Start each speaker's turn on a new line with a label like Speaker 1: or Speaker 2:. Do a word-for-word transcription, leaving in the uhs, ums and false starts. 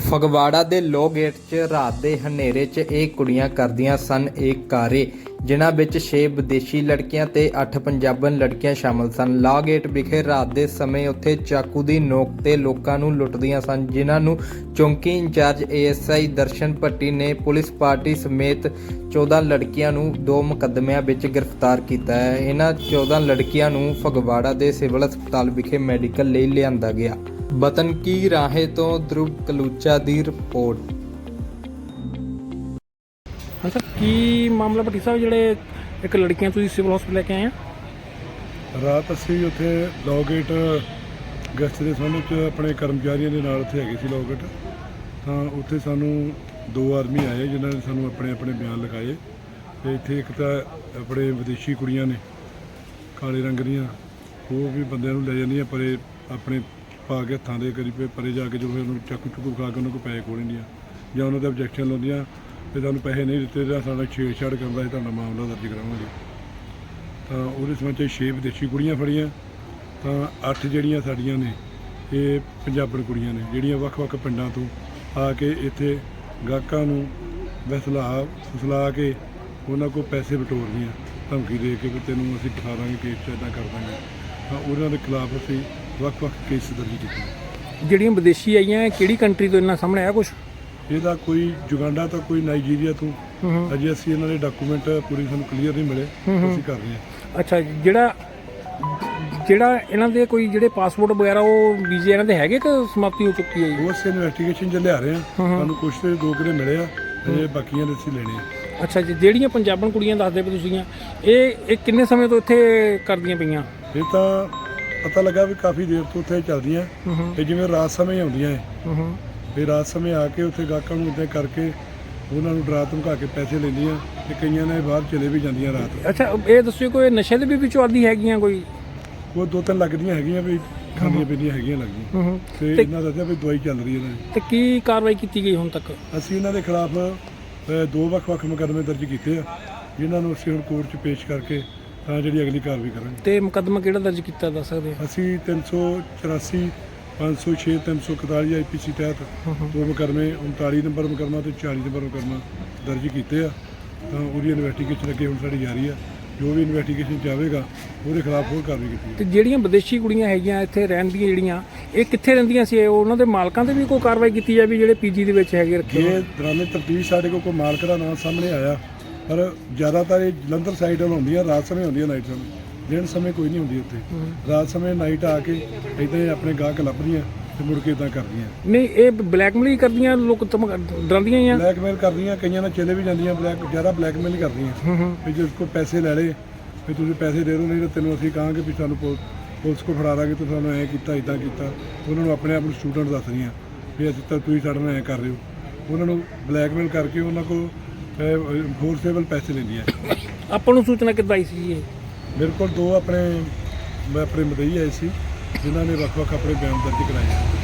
Speaker 1: ਫਗਵਾੜਾ ਦੇ low gate 'ਚ ਰਾਤ ਦੇ ਹਨੇਰੇ 'ਚ ਇਹ ਕੁੜੀਆਂ ਕਰਦੀਆਂ ਸਨ ਇਹ ਕਾਰੇ, ਜਿਨ੍ਹਾਂ ਵਿੱਚ ਛੇ ਵਿਦੇਸ਼ੀ ਲੜਕੀਆਂ ਤੇ ਅੱਠ ਪੰਜਾਬਣ ਲੜਕੀਆਂ ਸ਼ਾਮਲ ਸਨ। ਲਾਅ ਗੇਟ ਵਿਖੇ ਰਾਤ ਦੇ ਸਮੇਂ ਉੱਥੇ ਚਾਕੂ ਦੀ ਨੋਕ ਤੇ ਲੋਕਾਂ ਨੂੰ ਲੁੱਟਦੀਆਂ ਸਨ, ਜਿਨ੍ਹਾਂ ਨੂੰ ਚੌਂਕੀ incharge A S I Darshan Bhatti ਨੇ ਪੁਲਿਸ ਪਾਰਟੀ ਸਮੇਤ ਚੌਦਾਂ ਲੜਕੀਆਂ ਨੂੰ ਦੋ ਮੁਕੱਦਮਿਆਂ ਵਿੱਚ ਗ੍ਰਿਫਤਾਰ ਕੀਤਾ ਹੈ। ਇਹਨਾਂ ਚੌਦਾਂ ਲੜਕੀਆਂ ਨੂੰ ਫਗਵਾੜਾ ਦੇ ਸਿਵਲ ਹਸਪਤਾਲ ਵਿਖੇ ਮੈਡੀਕਲ ਲਈ ਲਿਆਂਦਾ ਗਿਆ। ਵਤਨ ਕੀ ਰਾਹੇ ਤੋਂ ਧਰੁਵ ਕਲੂਚਾ ਦੀ ਰਿਪੋਰਟ।
Speaker 2: ਹਾਂ ਸਰ, ਕੀ ਮਾਮਲਾ ਭੱਟੀ ਸਾਹਿਬ, ਜਿਹੜੇ ਇੱਕ ਲੜਕੀਆਂ ਤੁਸੀਂ ਸਿਵਲ ਹਸਪਤਾਲ ਲੈ ਕੇ ਆਏ ਆ?
Speaker 3: ਰਾਤ ਅਸੀਂ ਉੱਥੇ ਲਾਅ ਗੇਟ ਗੈਸਟ ਦੇ ਸਾਹਮਣੇ 'ਚ ਆਪਣੇ ਕਰਮਚਾਰੀਆਂ ਦੇ ਨਾਲ ਉੱਥੇ ਹੈਗੇ ਸੀ ਲਾਅ ਗੇਟ, ਤਾਂ ਉੱਥੇ ਸਾਨੂੰ ਦੋ ਆਦਮੀ ਆਏ ਜਿਨ੍ਹਾਂ ਨੇ ਸਾਨੂੰ ਆਪਣੇ ਆਪਣੇ ਬਿਆਨ ਲਿਖਾਏ। ਅਤੇ ਇੱਥੇ ਇੱਕ ਤਾਂ ਆਪਣੇ ਵਿਦੇਸ਼ੀ ਕੁੜੀਆਂ ਨੇ ਕਾਲੇ ਰੰਗ ਦੀਆਂ, ਉਹ ਵੀ ਬੰਦਿਆਂ ਨੂੰ ਲੈ ਜਾਂਦੀਆਂ ਪਰੇ ਆਪਣੇ ਪਾ ਕੇ ਹੱਥਾਂ ਦੇ ਕਰੀ ਪਰੇ ਜਾ ਕੇ, ਜੋ ਫਿਰ ਉਹਨੂੰ ਚਾਕੂ ਚੁੱਕੂ ਖਾ ਕੇ ਉਹਨਾਂ ਕੋਲ ਪੈਸੇ ਖੋਹ ਲੈਂਦੀਆਂ ਜਾਂ ਉਹਨਾਂ ਦੇ ਆਬਜੈਕਸ਼ਨ ਲਾਉਂਦੀਆਂ ਤੇ ਤੁਹਾਨੂੰ ਪੈਸੇ ਨਹੀਂ ਦਿੱਤੇ ਤਾਂ ਸਾਡਾ ਛੇੜਛਾੜ ਕਰਦਾ ਸੀ, ਤੁਹਾਡਾ ਮਾਮਲਾ ਦਰਜ ਕਰਾਵਾਂਗੇ। ਤਾਂ ਉਹਦੇ ਸੰਬੰਧ 'ਚ ਛੇ ਵਿਦੇਸ਼ੀ ਕੁੜੀਆਂ ਫੜੀਆਂ, ਤਾਂ ਅੱਠ ਜਿਹੜੀਆਂ ਸਾਡੀਆਂ ਨੇ ਇਹ ਪੰਜਾਬਣ ਕੁੜੀਆਂ ਨੇ, ਜਿਹੜੀਆਂ ਵੱਖ-ਵੱਖ ਪਿੰਡਾਂ ਤੋਂ ਆ ਕੇ ਇੱਥੇ ਗਾਹਕਾਂ ਨੂੰ ਵਸਲਾ ਫਸਲਾ ਕੇ ਉਹਨਾਂ ਕੋਲ ਪੈਸੇ ਬਟੋਰਦੀਆਂ, ਧਮਕੀ ਦੇ ਕੇ ਵੀ ਤੈਨੂੰ ਅਸੀਂ ਫਸਾ ਦਾਂਗੇ, ਕੇਸ 'ਚ ਇੱਦਾਂ ਕਰ ਦਾਂਗੇ। ਤਾਂ ਉਹਨਾਂ ਦੇ ਖਿਲਾਫ ਅਸੀਂ ਵੱਖ-ਵੱਖ ਕੇਸ ਦਰਜ ਕੀਤੇ।
Speaker 2: ਜਿਹੜੀਆਂ ਵਿਦੇਸ਼ੀ ਆਈਆਂ, ਕਿਹੜੀ ਕੰਟਰੀ ਤੋਂ ਇਹਨਾਂ ਸਾਹਮਣੇ ਆਇਆ ਕੁਛ?
Speaker 3: ਇਹਦਾ ਕੋਈ ਜੁਗਾਂਡਾ ਤੋਂ, ਕੋਈ ਨਾਈਜੀਰੀਆ ਤੋਂ। ਅਜੇ ਅਸੀਂ ਇਹਨਾਂ ਦੇ ਡਾਕੂਮੈਂਟ ਪੂਰੀ ਸਾਨੂੰ ਕਲੀਅਰ ਨਹੀਂ ਮਿਲੇ, ਅਸੀਂ ਕਰ ਰਹੇ ਹਾਂ।
Speaker 2: ਅੱਛਾ, ਜਿਹੜਾ ਜਿਹੜਾ ਇਹਨਾਂ ਦੇ ਕੋਈ ਜਿਹੜੇ ਪਾਸਪੋਰਟ ਵਗੈਰਾ ਉਹ ਵੀਜ਼ੇ ਇਹਨਾਂ ਦੇ ਹੈਗੇ ਕਿ ਸਮਾਪਤੀ ਹੋ ਚੁੱਕੀ ਹੈ?
Speaker 3: ਉਸ ਇਨਵੈਸਟੀਗੇਸ਼ਨ 'ਚ ਲਿਆ ਰਹੇ ਹਾਂ, ਸਾਨੂੰ ਕੁਛ ਤੇ ਦੋ ਕਿਲੇ ਮਿਲੇ ਆ, ਅਜੇ ਬਾਕੀਆਂ ਦੇ ਅਸੀਂ ਲੈਣੇ ਆ।
Speaker 2: ਅੱਛਾ ਜੀ, ਜਿਹੜੀਆਂ ਪੰਜਾਬਣ ਕੁੜੀਆਂ ਦੱਸਦੇ ਪਏ ਤੁਸੀਂ, ਇਹ ਇਹ ਕਿੰਨੇ ਸਮੇਂ ਤੋਂ ਇੱਥੇ ਕਰਦੀਆਂ ਪਈਆਂ?
Speaker 3: ਇਹ ਤਾਂ ਪਤਾ ਲੱਗਾ ਵੀ ਕਾਫੀ ਦੇਰ ਤੋਂ ਉੱਥੇ ਚੱਲਦੀਆਂ, ਤੇ ਜਿਵੇਂ ਰਾਤ ਸਮੇਂ ਆਉਂਦੀਆਂ ਹੈ, ਫਿਰ ਰਾਤ ਸਮੇਂ ਆ ਕੇ ਉੱਥੇ ਗਾਹਕਾਂ ਨੂੰ ਇੱਦਾਂ ਕਰਕੇ ਉਹਨਾਂ ਨੂੰ ਡਰਾ ਧਮਕਾ ਕੇ ਪੈਸੇ ਲੈਂਦੀਆਂ, ਤੇ ਕਈਆਂ ਨੇ ਬਾਹਰ ਚਲੇ ਵੀ ਜਾਂਦੀਆਂ ਰਾਤ।
Speaker 2: ਅੱਛਾ, ਇਹ ਦੱਸਿਓ ਕੋਈ ਨਸ਼ੇ ਦੇ ਵੀ ਵਿੱਚੋਂ ਆਦੀ ਹੈਗੀਆਂ? ਕੋਈ
Speaker 3: ਉਹ ਦੋ ਤਿੰਨ ਲੱਗਦੀਆਂ ਹੈਗੀਆਂ ਵੀ ਖਾਂਦੀਆਂ ਪੀਂਦੀਆਂ ਹੈਗੀਆਂ ਲੱਗਦੀਆਂ, ਤੇ ਇਹਨਾਂ ਦੱਸਿਆ ਵੀ ਦਵਾਈ ਚੱਲ ਰਹੀ ਇਹਨਾਂ ਦੀ।
Speaker 2: ਤੇ ਕੀ ਕਾਰਵਾਈ ਕੀਤੀ ਗਈ ਹੁਣ ਤੱਕ?
Speaker 3: ਅਸੀਂ ਇਹਨਾਂ ਦੇ ਖਿਲਾਫ ਦੋ ਵੱਖ-ਵੱਖ ਮੁਕੱਦਮੇ ਦਰਜ ਕੀਤੇ ਆ, ਜਿਨ੍ਹਾਂ ਨੂੰ ਅਸੀਂ ਹੁਣ ਕੋਰਟ 'ਚ ਪੇਸ਼ ਕਰਕੇ ਤਾਂ ਜਿਹੜੀ ਅਗਲੀ ਕਾਰਵਾਈ ਕਰਾਂਗੇ।
Speaker 2: ਤੇ ਮੁਕੱਦਮਾ ਕਿਹੜਾ ਦਰਜ ਕੀਤਾ ਦੱਸ ਸਕਦੇ?
Speaker 3: ਅਸੀਂ ਤਿੰਨ ਸੌ ਚੁਰਾਸੀ ਪੰਜ ਸੌ ਛੇ ਤਿੰਨ ਸੌ ਇਕਤਾਲੀ ਆਈ ਪੀ ਸੀ ਤਹਿਤ ਦੋ ਮੁਕੱਦਮੇ ਉਨਤਾਲੀ ਨੰਬਰ ਮੁਕੱਦਮਾ ਤੇ ਚਾਲੀ ਨੰਬਰ ਮੁਕੱਦਮਾ ਦਰਜ ਕੀਤੇ ਆ। ਤਾਂ ਉਹਦੀ ਇਨਵੈਸਟੀਗੇਸ਼ਨ ਅੱਗੇ ਹੁਣ ਸਾਡੀ ਜਾਰੀ ਆ, ਜੋ ਵੀ ਇਨਵੈਸਟੀਗੇਸ਼ਨ 'ਚ ਆਵੇਗਾ ਉਹਦੇ ਖਿਲਾਫ ਹੋਰ ਕਾਰਵਾਈ ਕੀਤੀ।
Speaker 2: ਤੇ ਜਿਹੜੀਆਂ ਵਿਦੇਸ਼ੀ ਕੁੜੀਆਂ ਹੈਗੀਆਂ ਇੱਥੇ ਰਹਿੰਦੀਆਂ, ਜਿਹੜੀਆਂ ਇਹ ਕਿੱਥੇ ਰਹਿੰਦੀਆਂ ਸੀ? ਉਹਨਾਂ ਦੇ ਮਾਲਕਾਂ ਤੇ ਵੀ ਕੋਈ ਕਾਰਵਾਈ ਕੀਤੀ ਜਾਵੇ ਜਿਹੜੇ ਪੀਜੀ ਦੇ ਵਿੱਚ ਹੈਗੇ ਰੱਖੇ?
Speaker 3: ਇਹ ਦੌਰਾਨੇ ਤਫਤੀਸ਼ ਸਾਡੇ ਕੋਲ ਕੋਈ ਮਾਲਕ ਦਾ ਨਾਮ ਸਾਹਮਣੇ ਆਇਆ, ਪਰ ਜ਼ਿਆਦਾਤਰ ਇਹ ਜਲੰਧਰ ਸਾਈਡ ਵੱਲ ਹੁੰਦੀਆਂ, ਰਾਤ ਸਮੇਂ ਹੁੰਦੀਆਂ, ਨਾਈਟ ਸਮੇਂ। ਦਿਨ ਸਮੇਂ ਕੋਈ ਨਹੀਂ ਹੁੰਦੀ ਉੱਥੇ, ਰਾਤ ਸਮੇਂ ਨਾਈਟ ਆ ਕੇ ਇੱਦਾਂ ਹੀ ਆਪਣੇ ਗਾਹਕ ਲੱਭਦੀਆਂ ਤੇ ਮੁੜ ਕੇ ਇੱਦਾਂ ਕਰਦੀਆਂ।
Speaker 2: ਨਹੀਂ, ਇਹ ਬਲੈਕਮੇਲ ਹੀ ਕਰਦੀਆਂ, ਲੋਕ ਡਰਾਉਂਦੀਆਂ ਹੀ ਆ?
Speaker 3: ਬਲੈਕਮੇਲ ਕਰਦੀਆਂ, ਕਈਆਂ ਨਾਲ ਚਲੇ ਵੀ ਜਾਂਦੀਆਂ, ਬਲੈਕ ਜ਼ਿਆਦਾ ਬਲੈਕਮੇਲ ਹੀ ਕਰਦੀਆਂ ਵੀ ਜੇ ਕੋਈ ਪੈਸੇ ਲੈ ਲਏ ਵੀ ਤੁਸੀਂ ਪੈਸੇ ਦੇ ਦਿਓ, ਨਹੀਂ ਤਾਂ ਤੈਨੂੰ ਅਸੀਂ ਕਹਾਂਗੇ ਵੀ ਸਾਨੂੰ ਪੁਲਿਸ ਕੋਲ ਫੜਾ ਦਾਂਗੇ, ਤੂੰ ਸਾਨੂੰ ਐਂ ਕੀਤਾ ਇੱਦਾਂ ਕੀਤਾ। ਉਹਨਾਂ ਨੂੰ ਆਪਣੇ ਆਪ ਨੂੰ ਸਟੂਡੈਂਟ ਦੱਸ ਰਹੀਆਂ ਵੀ ਅਸੀਂ ਤਾਂ ਤੁਸੀਂ ਸਾਡੇ ਨਾਲ ਐਂ ਕਰ ਰਹੇ ਹੋ। ਉਹਨਾਂ ਨੂੰ ਬਲੈਕਮੇਲ ਕਰਕੇ ਉਹਨਾਂ ਕੋਲ ਫੋਰਸੇਬਲ ਪੈਸੇ ਲੈਂਦੀਆਂ।
Speaker 2: ਆਪਾਂ ਨੂੰ ਸੂਚਨਾ ਕਿੱਦਾਂ ਆਈ ਸੀ? ਇਹ
Speaker 3: ਮੇਰੇ ਕੋਲ ਦੋ ਆਪਣੇ ਮੈਂ ਆਪਣੇ ਮਦਈ ਆਏ ਸੀ, ਜਿਨ੍ਹਾਂ ਨੇ ਵੱਖ-ਵੱਖ ਆਪਣੇ ਬਿਆਨ ਦਰਜ ਕਰਾਏ।